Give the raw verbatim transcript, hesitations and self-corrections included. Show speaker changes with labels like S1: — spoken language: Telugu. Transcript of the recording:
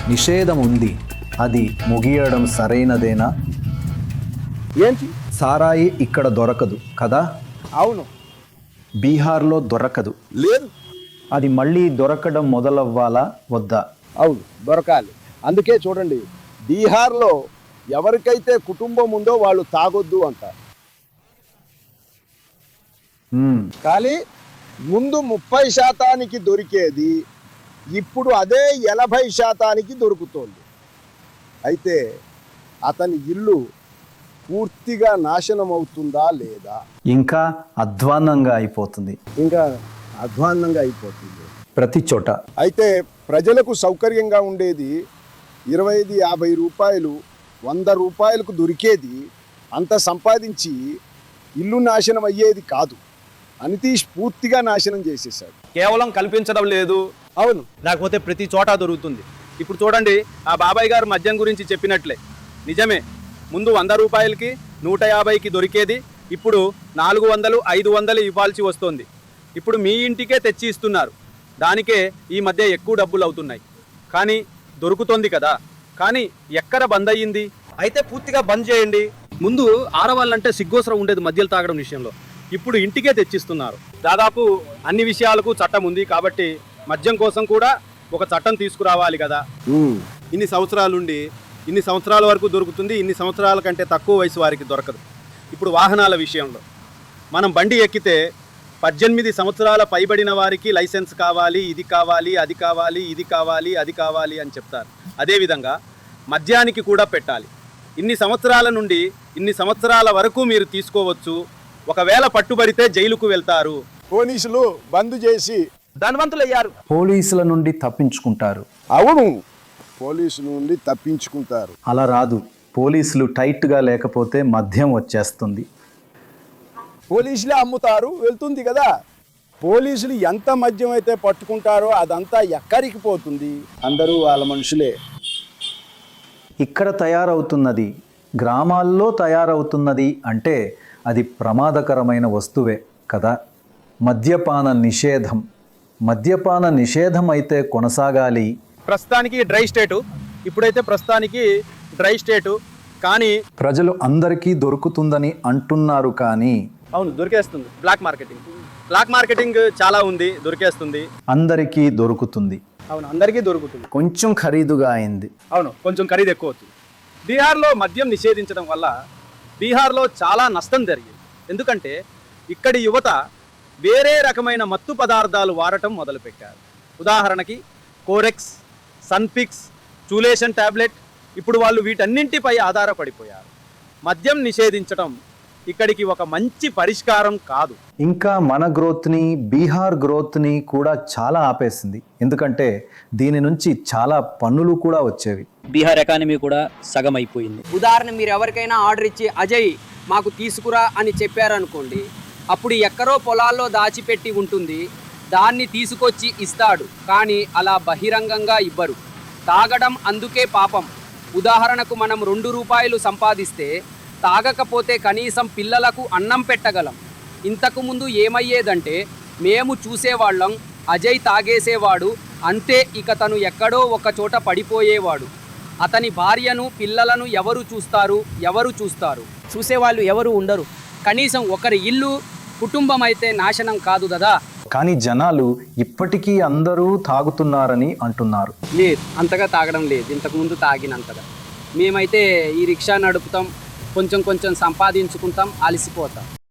S1: నిషేధం ఉంది, అది ముగియడం సరైనదేనా?
S2: ఏంటి?
S1: సారాయి ఇక్కడ దొరకదు కదా?
S2: అవును.
S1: బీహార్లో దొరకదు.
S2: లేదు.
S1: అది మళ్ళీ దొరకడం మొదలవ్వాలా వద్దా?
S2: అవును, దొరకాలి. అందుకే చూడండి, బీహార్లో ఎవరికైతే కుటుంబం ఉందో వాళ్ళు తాగొద్దు అంటారు. కానీ ముందు ముప్పై శాతానికి దొరికేది ఇప్పుడు అదే ఎనభై శాతానికి దొరుకుతోంది. అయితే అతని ఇల్లు పూర్తిగా నాశనం అవుతుందా లేదా?
S1: ఇంకా అధ్వాన్నంగా అయిపోతుంది.
S2: ఇంకా అధ్వాన్నంగా అయిపోతుంది
S1: ప్రతి చోట.
S2: అయితే ప్రజలకు సౌకర్యంగా ఉండేది ఇరవై ఐదు యాభై రూపాయలు వంద రూపాయలకు దొరికేది అంత సంపాదించి ఇల్లు నాశనం అయ్యేది కాదు. అనితీష్ పూర్తిగా నాశనం చేసేసాడు.
S3: కేవలం కల్పించడం లేదు,
S2: అవును,
S3: లేకపోతే ప్రతి చోట దొరుకుతుంది. ఇప్పుడు చూడండి, ఆ బాబాయ్ గారు మద్యం గురించి చెప్పినట్లే నిజమే. ముందు వంద రూపాయలకి నూట యాభైకి దొరికేది ఇప్పుడు నాలుగు వందలు ఐదు వందలు ఇవ్వాల్సి వస్తుంది. ఇప్పుడు మీ ఇంటికే తెచ్చి ఇస్తున్నారు. దానికే ఈ మధ్య ఎక్కువ డబ్బులు అవుతున్నాయి. కానీ దొరుకుతుంది కదా. కానీ ఎక్కడ బంద్ అయ్యింది? అయితే పూర్తిగా బంద్ చేయండి. ముందు ఆడవాళ్ళంటే సిగ్గోసరం ఉండేది మద్యలు తాగడం విషయంలో. ఇప్పుడు ఇంటికే తెచ్చిస్తున్నారు. దాదాపు అన్ని విషయాలకు చట్టం ఉంది కాబట్టి మద్యం కోసం కూడా ఒక చట్టం తీసుకురావాలి కదా. ఇన్ని సంవత్సరాలుండి ఇన్ని సంవత్సరాల వరకు దొరుకుతుంది, ఇన్ని సంవత్సరాల కంటే తక్కువ వయసు వారికి దొరకదు. ఇప్పుడు వాహనాల విషయంలో మనం బండి ఎక్కితే పద్దెనిమిది సంవత్సరాల పైబడిన వారికి లైసెన్స్ కావాలి, ఇది కావాలి, అది కావాలి, ఇది కావాలి, అది కావాలి అని చెప్తారు. అదేవిధంగా మద్యానికి కూడా పెట్టాలి. ఇన్ని సంవత్సరాల నుండి ఇన్ని సంవత్సరాల వరకు మీరు తీసుకోవచ్చు. ఒకవేళ పట్టుబడితే జైలుకు వెళ్తారు.
S2: పోలీసులు బంద్ చేసి
S3: ధనవంతులయ్యారు.
S1: పోలీసుల నుండి తప్పించుకుంటారు.
S2: అవును, పోలీసు నుండి తప్పించుకుంటారు.
S1: అలా రాదు. పోలీసులు టైట్గా లేకపోతే మద్యం వచ్చేస్తుంది.
S2: పోలీసులే అమ్ముతారు, వెళ్తుంది కదా. పోలీసులు ఎంత మద్యం అయితే పట్టుకుంటారో అదంతా ఎక్కడికి పోతుంది? అందరూ వాళ్ళ మనుషులే.
S1: ఇక్కడ తయారవుతున్నది గ్రామాల్లో తయారవుతున్నది అంటే అది ప్రమాదకరమైన వస్తువే కదా. మద్యపాన నిషేధం మద్యపాన నిషేధం అయితే కొనసాగాలి.
S3: ప్రస్తుతానికి డ్రై స్టేటు, ఇప్పుడైతే ప్రస్తుతానికి డ్రై స్టేటు. కానీ
S1: ప్రజలు అందరికీ దొరుకుతుందని అంటున్నారు. కానీ
S3: అవును, దొరికేస్తుంది. బ్లాక్ మార్కెటింగ్ బ్లాక్ మార్కెటింగ్ చాలా ఉంది, దొరికేస్తుంది.
S1: అందరికీ దొరుకుతుంది.
S3: అవును, అందరికీ దొరుకుతుంది.
S1: కొంచెం ఖరీదుగా అయింది.
S3: అవును, కొంచెం ఖరీదు ఎక్కువ అవుతుంది. బీహార్లో మద్యం నిషేధించడం వల్ల బీహార్లో చాలా నష్టం జరిగింది. ఎందుకంటే ఇక్కడి యువత వేరే రకమైన మత్తు పదార్థాలు వాడటం మొదలుపెట్టారు. ఉదాహరణకి కోరెక్స్, సన్ఫిక్స్, చూలేషన్ ట్యాబ్లెట్. ఇప్పుడు వాళ్ళు వీటన్నింటిపై ఆధారపడిపోయారు. మద్యం నిషేధించడం ఇక్కడికి ఒక మంచి పరిష్కారం కాదు.
S1: ఇంకా మన గ్రోత్ని, బీహార్ గ్రోత్ని కూడా చాలా ఆపేసింది. ఎందుకంటే దీని నుంచి చాలా పన్నులు కూడా వచ్చేవి.
S4: బీహార్ ఎకానమీ కూడా సగం అయిపోయింది.
S5: ఉదాహరణ, మీరు ఎవరికైనా ఆర్డర్ ఇచ్చి అజయ్ మాకు తీసుకురా అని చెప్పారనుకోండి, అప్పుడు ఎక్కడో పొలాల్లో దాచిపెట్టి ఉంటుంది, దాన్ని తీసుకొచ్చి ఇస్తాడు. కానీ అలా బహిరంగంగా ఇవ్వరు. తాగడం అందుకే పాపం. ఉదాహరణకు మనం రెండు రూపాయలు సంపాదిస్తే తాగకపోతే కనీసం పిల్లలకు అన్నం పెట్టగలం. ఇంతకుముందు ఏమయ్యేదంటే మేము చూసేవాళ్ళం, అజయ్ తాగేసేవాడు, అంతే, ఇక తను ఎక్కడో ఒక చోట పడిపోయేవాడు. అతని భార్యను పిల్లలను ఎవరు చూస్తారు? ఎవరు చూస్తారు? చూసేవాళ్ళు ఎవరు ఉండరు. కనీసం ఒకరి ఇల్లు కుటుంబం అయితే నాశనం కాదు కదా.
S1: కానీ జనాలు ఇప్పటికీ అందరూ తాగుతున్నారని అంటున్నారు.
S5: లేదు, అంతగా తాగడం లేదు, ఇంతకుముందు తాగినంతగా. మేమైతే ఈ రిక్షా నడుపుతాం, కొంచెం కొంచెం సంపాదించుకుంటాం, అలసిపోతాం.